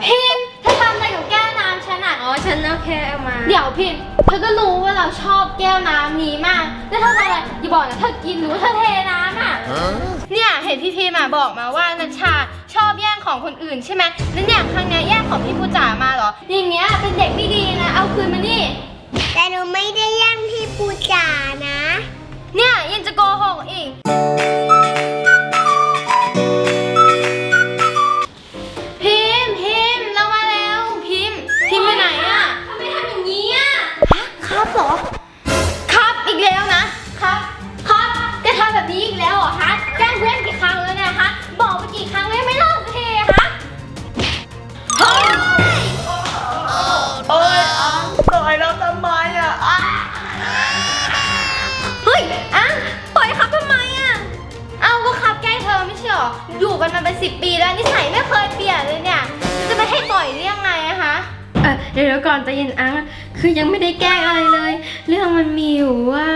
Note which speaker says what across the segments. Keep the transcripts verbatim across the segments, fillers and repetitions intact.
Speaker 1: พิมพ์เธอทำอะไรกับแก้วน้ำฉันอ่ะ
Speaker 2: อ๋อฉันเอาแค่เอามา
Speaker 1: เดี๋ยวพิมพ์เธอก็รู้ว่าเราชอบแก้วน้ำนี้มากแล้วเธอทำอะไรอย่าบอกนะเธอกินหรือว่าเธอเทน้ำอ่ะเนี่ยเห็นพี่พิมพ์บอกมาว่านัชชาชอบแย่งของคนอื่นใช่ไหมแล้วเนี่ยครั้งนี้แย่งของพี่ปูจ๋ามาเหรออย่างเงี้ยเป็นเด็กไม่ดีนะเอาคืนมานี่
Speaker 3: แต่หนูไม่ได้แย่งพี่ปูจ๋านะ
Speaker 1: เนี่ยยังจะโกหกอีกพิมพ์พิมพ์เรามาแล้วพิมพ์พิมพ์ไปไหนอะทำไมทำอย่างนี้อะครับเหรอครับอีกแล้วนะครับครับแกทำแบบนี้อีกแล้วเหรอฮะแกล้งเพื่อนกี่ครั้งแล้วเนี่ยฮะบอกไปกี่ครั้งแล้วไม่เลิกเทฮะเฮ้ย
Speaker 4: โอ้ยต่อยเราทำไมอ่ะ
Speaker 1: เฮ้ยอ่ะปล่อยครับทำไมอ่ะเอาก็ครับแกล้งเธอไม่ใช่หรออยู่กันมาเป็นสิบปีแล้วนิสัยไม่เคยเปลี่ยนเลยเนี่ยจะไม่ให้ต่อยได้ยังไงอะคะ
Speaker 2: เออเดี๋ยวก่อนใจเย็นอังคือยังไม่ได้แกล้งอะไรเลยเรื่องมันมีอยู่ว่า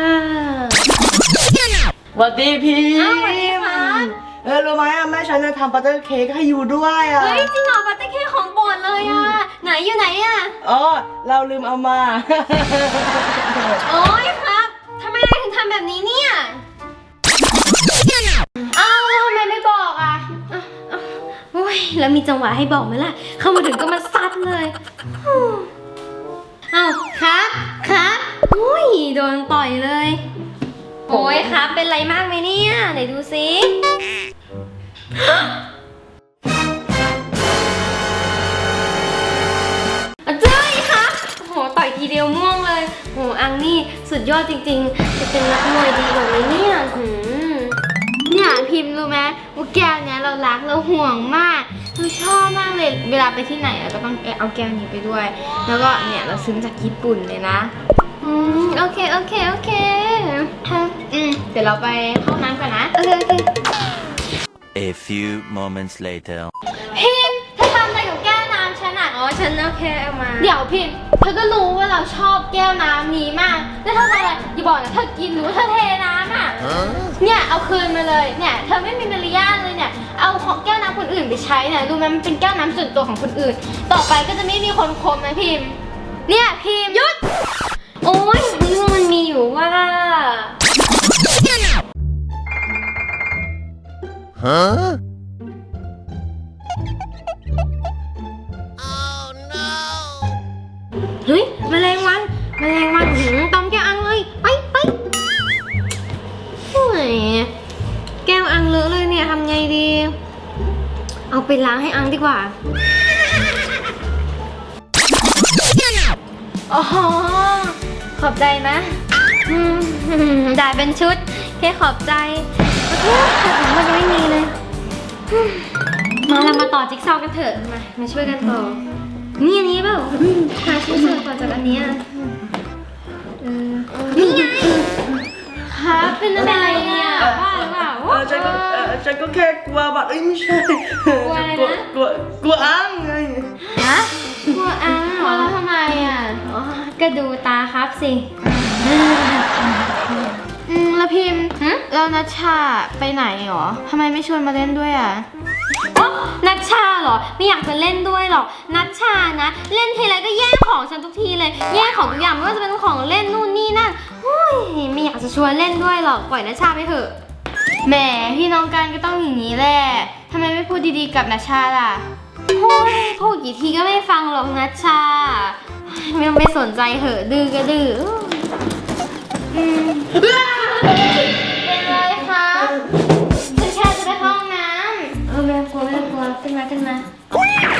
Speaker 4: สวัสดีพี่
Speaker 1: อ้าวสวัสดีค่ะ
Speaker 4: เออรู้ไหมอ่ะแม่ฉันจะทำบัตเตอร์เค้กให้อยู่ด้วยอ่ะ
Speaker 1: เฮ้ยจริงเหรอบัตเตอร์เค้กของโปรดเลยอ่ะไหนอยู่ไหนอ่ะ
Speaker 4: อ๋อเราลืมเอามา
Speaker 1: โอ๊ยครับทำไมนายถึงทำแบบนี้เนี่ยอ้าวแล้วทำไมไม่บอกอ่ะ
Speaker 2: โอ้ยแล้วมีจังหวะให้บอกไหมล่ะเข้ามาถึงก็มาซัดเลยอ้าวครับครับโอ้ยโดนต่อยเลยโอ้ยครับเป็นไรมากไหมเนี่ยไหนดูสิเจ้ยครับโอ้โหต่อยทีเดียวม่วงเลยโอ้อังนี่สุดยอดจริงๆจะเป็นนักมวยดีกว่านี้เนี่ยหืม
Speaker 1: เนี่ยพิมพ์รู้ไหมว่าแก้วเนี้ยเรารักเราห่วงมากเราชอบมากเลยเวลาไปที่ไหนเราก็ต้องเอาแก้วนี้ไปด้วยแล้วก็เนี่ยเราซื้อมาจากญี่ปุ่นเลยนะอืมโอเคโอเคโอเคอืมเดี๋ยวเราไปเข้าน้ำก่อนนะโอเคโอเค
Speaker 5: A few moments later
Speaker 1: พิมพ์เธอทำอะไรกับแก้วน้ำฉันอ่ะ
Speaker 2: อ๋อฉันเอาแค่เอามา
Speaker 1: เดี๋ยวพิมพ์เธอก็รู้ว่าเราชอบแก้วน้ำนี้มากแล้วเธอทำอะไรอย่าบอกนะเธอกินหรือว่าเธอเทน้ำอ่ะเนี่ยเอาคืนมาเลยเนี่ยเธอไม่มีมารยาทเลยเนี่ยเอาของแก้วน้ำคนอื่นไปใช้เนี่ยรู้ไหมมันเป็นแก้วน้ำส่วนตัวของคนอื่นต่อไปก็จะไม่มีคนคมนะพิมพ์เนี่ยพิมพ์หยุด
Speaker 2: โอ้ยเรื่องมันมีอยู่ว่า
Speaker 5: ฮะ
Speaker 2: เฮ้ยแมลงวันแมลงวันหืมตอมแก้วอังเลยไปไปโอ้ยแก้วอังเลอะเลยเนี่ยทำไงดีเอาไปล้างให้อังดีกว่า
Speaker 1: อ๋อขอบใจนะ
Speaker 2: ได้เป็นชุดแค่ขอบใจโอเคแต่ของมันยังไม่มีเลยมาเรามาต่อจิ๊กซอว์กันเถอะมามาช่วยกันต่อนี่อันนี้เปล่าหาชิ้นส่วนต่อจากอันนี้เออนี่ไง
Speaker 1: ครับเป็นอะไรเนี่ย
Speaker 2: ว่าหรือเปล่า
Speaker 4: เออฉันก็เออฉันก็แค่กลัวบัตรเอ้ยไม่ใช่
Speaker 2: กลัวอะไรนะ
Speaker 4: กลัวกลัวอังไง
Speaker 1: ฮะกลัวอังเหรอแล้วทำไมอ่ะ
Speaker 2: อ๋อก็ดูตาครับสิ
Speaker 1: อืมแล้วพิมพ์แล้วนัชชาไปไหนหรอทำไมไม่ชวนมาเล่นด้วยอ่ะ
Speaker 2: อ๋อนัชชาเหรอไม่อยากจะเล่นด้วยหรอกนัชชานะเล่นทีไรก็แย่งของฉันทุกทีเลยแย่งของทุกอย่างไม่ว่าจะเป็นของเล่นนู่นนี่นั่นโอ้ยไม่อยากจะชวนเล่นด้วยหรอกปล่อยนัชชาไปเถอะ
Speaker 1: แหมพี่น้องกันก็ต้องอย่างนี้แหละทำไมไม่พูดดีๆกับนัชชาล่ะ
Speaker 2: โอ้ยพูดกี่ทีก็ไม่ฟังหรอกนัชชาไม่ต้องไปสนใจเหอะดื้อก็ดื้อ
Speaker 1: อืมเป็นไรคะฉันแค่จะไปห้องน้ำ
Speaker 2: เออไม่กลัวไม่กลัวขึ้นมาขึ้นมา
Speaker 3: โอ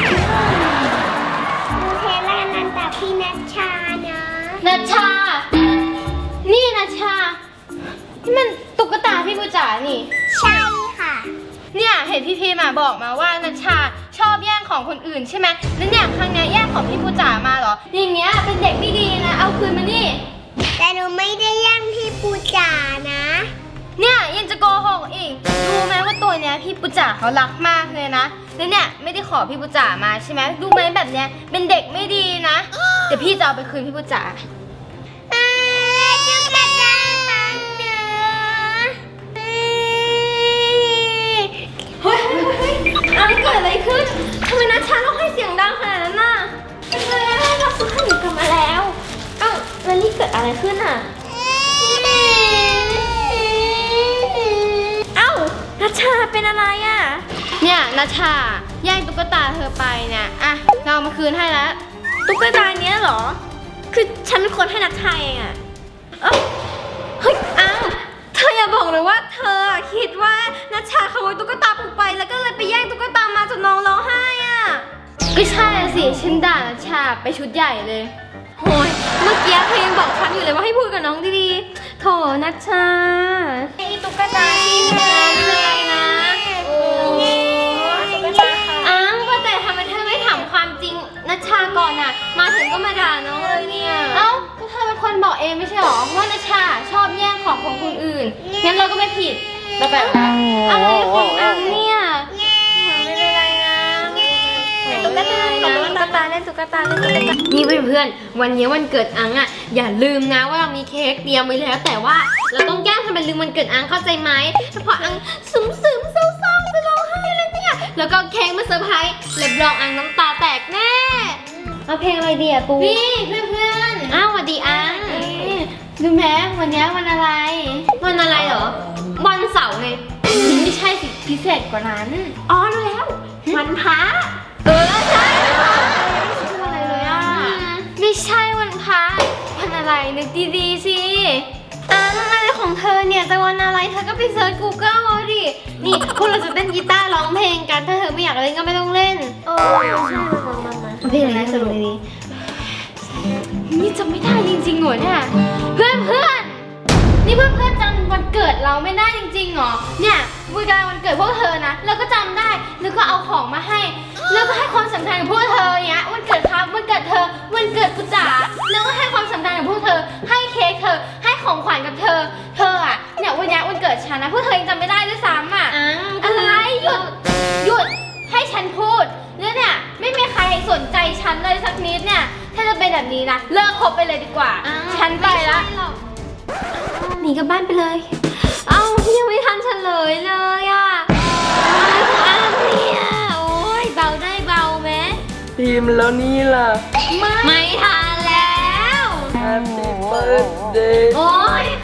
Speaker 3: เคแล้วนันตาพี่นัชชาเนาะ
Speaker 1: นัชชานี่นัชชานี่มันตุ๊กตาพี่ปูจ๋านี่
Speaker 3: ใช่ค่ะ
Speaker 1: เนี่ยเห็นพี่พีมาบอกมาว่านัชชาชอบแย่งของคนอื่นใช่ไหมแล้วเนี่ยครั้งนี้แย่งของพี่ปูจ๋ามาเหรออย่างเงี้ยเป็นเด็กไม่ดีนะเอาคืนมานี่
Speaker 3: แต่หนูไม่ได้แย่งพี่ปูจ๋านะ
Speaker 1: เนี่ยยังจะโกหกอีกรู้ไหมว่าตัวเนี้ยพี่ปูจ๋าเขารักมากเลยนะแล้วเนี่ยไม่ได้ขอพี่ปูจ๋ามาใช่ไหมรู้ไหมแบบเนี้ยเป็นเด็กไม่ดีนะเดี๋ยวพี่จะเอาไปคืนพี่ปูจ๋า
Speaker 3: จุ๊บกระจายปังเนื้อ
Speaker 1: เฮ้ยเฮ้ยเฮ้ยอะไรเกิดอะไรขึ้นทำไมนัชชาต้องให้เสียงดังขนาด
Speaker 2: เป็นอะไรอ่ะ
Speaker 1: เนี่ยนัชชาแย่งตุ๊กตาเธอไปเนี่ยอ่ะเราเอามาคืนให้แล้ว
Speaker 2: ตุ๊กตาเนี้ยเหรอ คือฉันเป็นคนให้นัชชาเองอ่ะเอ้าเฮ้ยอ้าวเธออย่าบอกเลยว่าเธออะคิดว่านัชชาขโมยตุ๊กตาปูไปแล้วก็เลยไปแย่งตุ๊กตามาจนน้องร้องไห้อ่ะ
Speaker 1: ก็ใช่สิฉันด่านัชชาไปชุดใหญ่เลย
Speaker 2: โอ้ยเมื่อกี้เธอยังบอกฉันอยู่เลยว่าให้พูดกับน้องดีๆโถนัชชาไอ้ตุ๊กตาที่แม่ไม่เป็นไรนะโอ้อ้าวว่าแต่ทำไมเธอไม่ถามความจริงนัชชาก่อนอ่ะ มาถึงก็มาด่าน้องเลยเนี่ย
Speaker 1: เอ้าก็เธอเป็นคนบอกเองไม่ใช่หรอว่านัชชาชอบแย่งของของคนอื่นงั้นเราก็ไม่ผิดเราแบบอะไรของอังเนี่ย
Speaker 2: ไม่เป็นไรนะตุ๊กตาตุ๊กตาเล่นตุ๊กตาเล่นตุ๊กตานี่เพื่อนๆวันนี้วันเกิดอังอ่ะอย่าลืมนะว่าเรามีเค้กเตรียมไว้แล้วแต่ว่าเราต้องแกล้งทำเป็นลืมวันเกิดอังเข้าใจไหมเพราะอังซึมซึมๆเศร้าๆจะร้องไห้แล้วเนี่ยแล้วก็เค้กมาเซอร์ไพรส์รับรองอังน้ำตาแตกแน่เอาเพลงอะไรดีอะปู
Speaker 1: นี่เพื่อน
Speaker 2: อ้าวสวัสดีอัง
Speaker 1: ๆดูแม้วันนี้วันอะไร
Speaker 2: วันอะไรเหรอวันเสาร์ไง
Speaker 1: ไม่ใช่สิพิเศษกว่านั้น
Speaker 2: อ๋อรู้แล้ววันพระเออใช่อะไรเลยอ่ะ
Speaker 1: ไม่ใช่วันพระวันอะไรนึกดีๆสิอังอะไรของเธอเนี่ยจะวันอะไรเธอก็ไปเซิร์ช Google เอาดินี่พวกเราจะเล่นกีตาร์ร้องเพลงกันถ้าเธอไม่อยากเล่นก็ไม่ต้องเล่น
Speaker 2: เออใช่มามามา
Speaker 1: เพลงอะไรสรุปดีนี่จำไม่ได้จริงๆเหรอเนี่ยเพื่อนเพื่อนๆนี่เพื่อนเพื่อนๆจำวันเกิดเราไม่ได้จริงๆเหรอเนี่ยวันการวันเกิดพวกเธอนะเราก็จำได้แล้วก็เอาของมาให้แล้วก็ให้ความสำคัญกับพวกเธอเนี้ยวันเกิดครับวันเกิดเธอวันเกิดกูจ๋าแล้วก็ให้ความสำคัญกับพวกเธอให้เค้กเธอให้ของขวัญกับเธอเธออ่ะเนี่ยวันนี้วันเกิดฉันนะพวกเธอยังจำไม่ได้ด้วยซ้ำอ่ะ
Speaker 2: อัง
Speaker 1: อะไรหยุดหยุดให้ฉันพูดแล้วเนี่ยไม่มีใครสนใจฉันเลยสักนิดเนี่ยถ้าจะเป็นแบบนี้นะเลิกคบไปเลยดีกว่า ฉันไปละ
Speaker 2: หนีกลับบ้านไปเลย เอ้ายังไม่ทันเฉลยเลยอ่ะอะไรของอังเนี่ยโอ้ยเบาได้เบาไหม
Speaker 4: พิมพ์แล้วนี่ล่ะ
Speaker 2: ไม่ทันแล้ว
Speaker 4: Happy birthday
Speaker 2: โอ้ย